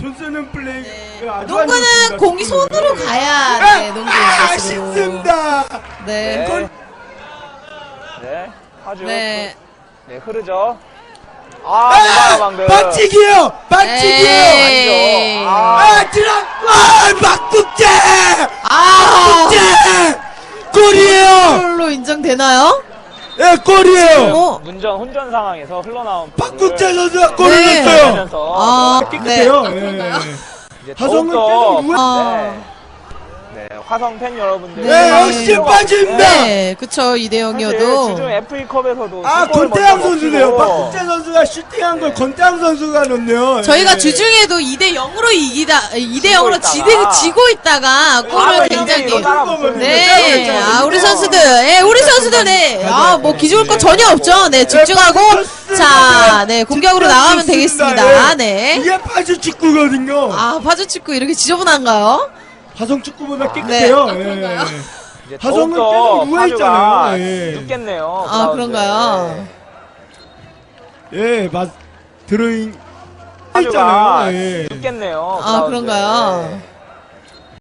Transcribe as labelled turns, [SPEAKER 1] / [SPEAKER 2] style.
[SPEAKER 1] 손 쓰는 플레이.
[SPEAKER 2] 네.
[SPEAKER 1] 아주
[SPEAKER 2] 농구는 공이 손으로 가야 네, 농구의 것으로.
[SPEAKER 1] 아쉽습니다.
[SPEAKER 2] 네.
[SPEAKER 3] 네. 네. 하죠.
[SPEAKER 2] 네.
[SPEAKER 3] 네, 흐르죠. 못 봐요, 방금.
[SPEAKER 1] 반칙이에요. 반칙이에요.
[SPEAKER 2] 에이.
[SPEAKER 3] 아니죠.
[SPEAKER 1] 막국제.
[SPEAKER 2] 아,
[SPEAKER 1] 골이에요.
[SPEAKER 2] 골로 인정되나요?
[SPEAKER 1] 예, 골이에요.
[SPEAKER 2] 어?
[SPEAKER 3] 혼전 상황에서 흘러나온
[SPEAKER 1] 박국재 선수가 골을
[SPEAKER 2] 네.
[SPEAKER 1] 넣었어요.
[SPEAKER 2] 아,
[SPEAKER 1] 깨끗해요.
[SPEAKER 2] 네. 그런가요?
[SPEAKER 3] 이제
[SPEAKER 1] 화성은
[SPEAKER 3] 더욱더
[SPEAKER 1] 계속
[SPEAKER 3] 네, 화성 팬 여러분들.
[SPEAKER 1] 네, 역시 빠집니다.
[SPEAKER 2] 네, 그쵸, 2대
[SPEAKER 3] 사실
[SPEAKER 2] 0이어도.
[SPEAKER 3] 주중 FA컵에서도
[SPEAKER 1] 권태양 선수네요. 박국재 선수가 슈팅한 걸 권태양 선수가 넣네요.
[SPEAKER 2] 저희가
[SPEAKER 1] 예.
[SPEAKER 2] 주중에도 2대 0으로 2대 0으로
[SPEAKER 3] 있다가.
[SPEAKER 2] 지고 있다가 골을 굉장히. 네, 우리 선수들, 네, 뭐 기죽을 거 전혀 없죠. 네, 집중하고, 자, 네, 공격으로 나가면 되겠습니다. 네.
[SPEAKER 1] 이게 파주 축구거든요.
[SPEAKER 2] 파주 축구 이렇게 지저분한가요?
[SPEAKER 1] 화성 축구보다 깨끗해요.
[SPEAKER 2] 네. 그런가요?
[SPEAKER 3] 이제
[SPEAKER 1] 화성은
[SPEAKER 3] 더욱더
[SPEAKER 1] 계속 누워
[SPEAKER 3] 파주가
[SPEAKER 1] 있잖아요. 예.
[SPEAKER 3] 눕겠네요.
[SPEAKER 2] 그런가요?
[SPEAKER 1] 예, 드로잉
[SPEAKER 3] 파주가
[SPEAKER 1] 있잖아요. 예.
[SPEAKER 3] 눕겠네요.
[SPEAKER 2] 그런가요?